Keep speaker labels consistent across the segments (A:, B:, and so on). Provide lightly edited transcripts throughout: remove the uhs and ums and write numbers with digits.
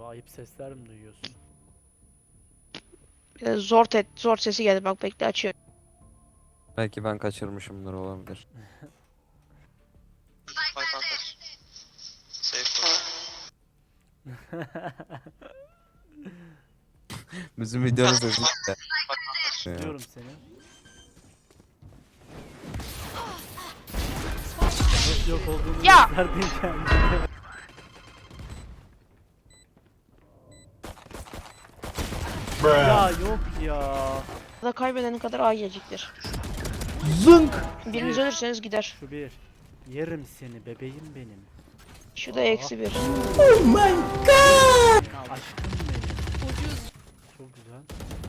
A: ayıp sesler mi duyuyorsun?
B: Zor sesi geldi, bak bekle açıyorum.
C: Belki ben kaçırmışımdır, olabilir.
D: Spike arkadaş. Safe ol.
C: Bizim videonun sesi işte.
A: Diyorum seni. Yok olduğunu
B: Ya!
A: gösterdin kendine. Ya yok ya.
B: Da kaybedenin kadar A gelecektir.
A: Zınk.
B: Biriniz ölürseniz gider.
A: Şu bir. Yerim seni bebeğim benim.
B: Şu da eksi bir.
A: Aşkım benim. Çok güzel.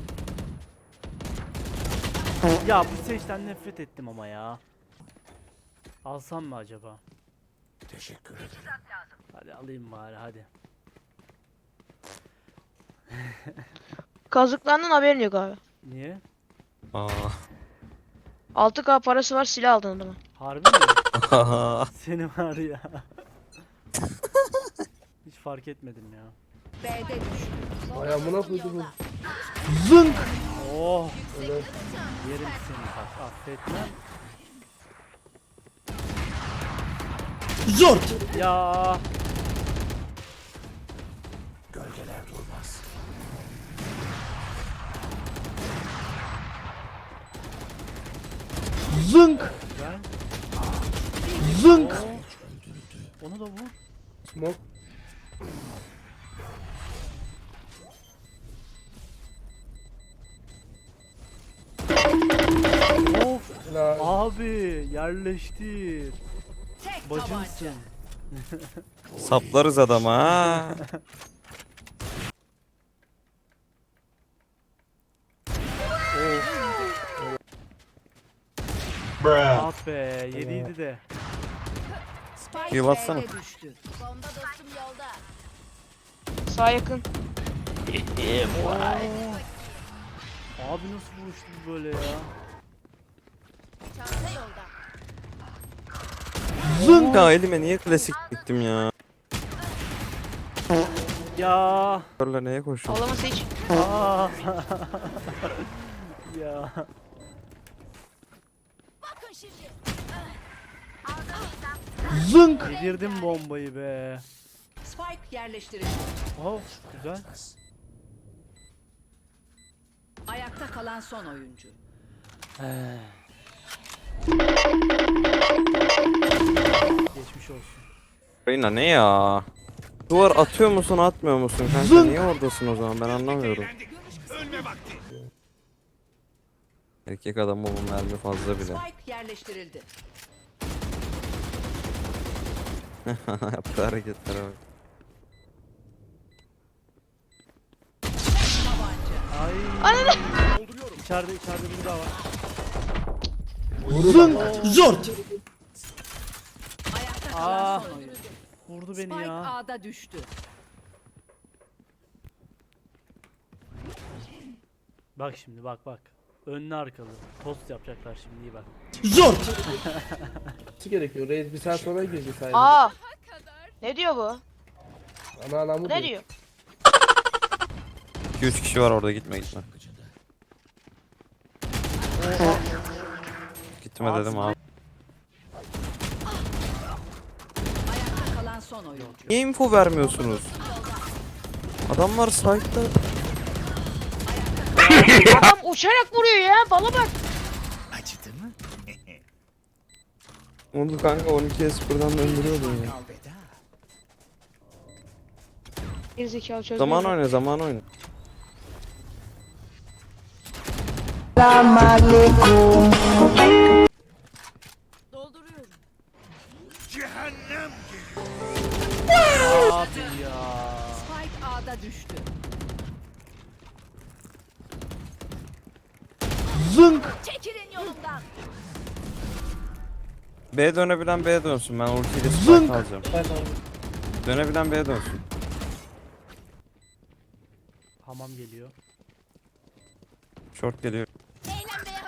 A: Ya bu seçten nefret ettim ama ya. Alsam mı acaba?
E: Teşekkür ederim.
A: Hadi alayım bari hadi.
B: Kazıklandın, haberin yok abi.
A: Niye?
C: Aa.
B: 6K parası var, silah aldın adamı.
A: Harbi mi? Seni var ya. Hiç fark etmedim ya.
F: B'de düştü.
E: Ay amına koydum.
A: Zınk. Oh. Yerim seni bak affetmem.
E: Zort.
A: Ya.
E: Gölgeler durmaz.
A: Zınk. Güzel. Zınk. Onu da vur.
E: Smoke.
A: Of.
E: Helal.
A: Abi yerleştir.
F: Tek
A: Bacımsın.
C: Saplarız adama ha.
A: Ah be yediydi de.
F: Spike
C: Heal atsana.
F: B'de düştü. Bomba dostum yolda.
B: Sağ yakın.
A: Abi nasıl vuruştu bu böyle ya?
F: Çanta yolda.
C: Zınk. Ya elime niye klasik gittim ya?
A: Ya.
C: Körle neye koşuyorsun?
B: Ağlaması hiç.
A: Aa. Ya.
F: Bakın şimdi.
A: Zınk. Yedirdim bombayı be.
F: Spike yerleştirildi.
A: Of güzel.
F: Ayakta kalan son oyuncu.
A: Geçmiş olsun.
C: Reyna ne ya? Duvar atıyor musun atmıyor musun kanka? Niye oradasın o zaman, ben anlamıyorum. Erkek adamı bu mermi fazla bile.
F: Spike yerleştirildi.
C: Yaptığı hareketlere bak.
F: Tabanca.
A: Ay. İçeride biri daha var.
E: Zort.
F: Ayakta kalan
A: Aa.
F: son oyuncu.
A: Vurdu beni
F: Spike
A: ya.
F: A'da düştü.
A: Bak şimdi bak. Önlü arkalı. Post yapacaklar şimdi iyi bak.
E: Zort. Nasıl gerekiyor? Reis bir saat sonra girecek sadece.
B: Aa. Ne diyor bu?
E: Ana anamı
B: Ne diyor?
C: 2-3 kişi var orada, gitme. Gitme dedim abi.
F: Ayakta kalan son oyuncu.
C: Niye info vermiyorsunuz? Adamlar site'da.
B: Adam uçarak vuruyor ya, bala bak.
E: Acıdı mı?
C: Onu kanka 12'ye 0'dan döndürüyordun ya.
B: Gerizekalı çözmüyor.
C: Zaman oyna, zaman oyna.
F: Dolduruyorum.
A: Abi ya.
F: Spike A'da düştü.
A: Zınk.
F: Çekilin yolumdan.
C: B dönebilen B'ye dönsün, ben ultiyle
A: Zınk.
C: spike alacağım. Dönebilen B'ye dönsün.
A: Hamam geliyor.
C: Short geliyor.
F: Eğlenmeye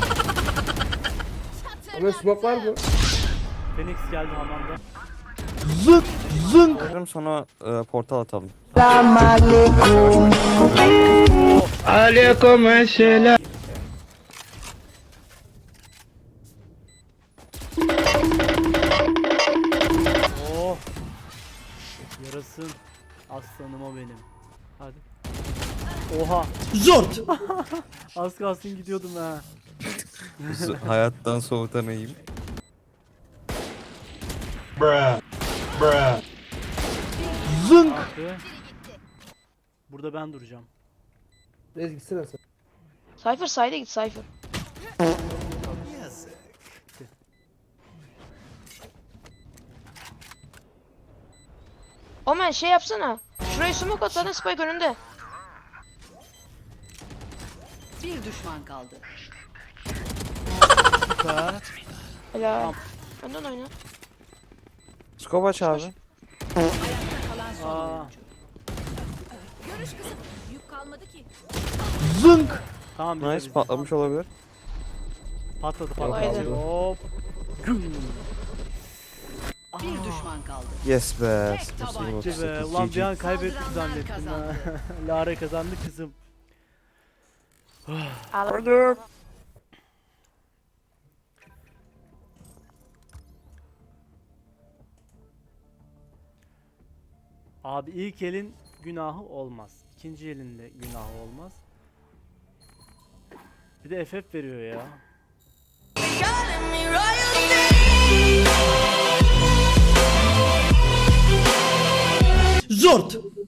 E: Ama smoke var mı?
A: Phoenix geldi hamamda.
C: Sonra portal atalım.
A: Oh. Yarasın. Aslanım o benim. Hadi. Oha.
E: Zort.
A: Az kalsın gidiyordum ha.
C: Hayattan soğutanayım.
E: Zınk.
A: Abi. Burada ben duracağım.
E: Reis gitsene sen.
B: Cypher side'e git Cypher. Omen şey yapsana. Şurayı smoke at zaten Spike önünde.
F: Bir düşman kaldı.
A: Süper.
B: Helal.
A: Tamam.
B: Önden oyna.
C: Scope aç abi.
F: Kalan son
A: Aa.
F: oyuncu. Görüş kısıt. Yük kalmadı ki.
E: Zınk.
A: Tamam bize
C: Nice
A: bize.
C: patlamış olabilir.
A: Patladı
B: Kolaydı.
A: patladı. Hop. Güm.
F: Bir düşman kaldı.
C: Yes be.
F: Tek
C: 08,
F: tabanca
C: 38,
A: Be, ulan bir an
C: GG.
A: kaybettik
F: Saldıranlar
A: zannettim ha.
F: kazandı.
A: Lara kazandı kızım.
B: Al.
A: Abi ilk elin günahı olmaz. İkinci elin de günahı olmaz. Bir de FF veriyor ya.
E: Zort.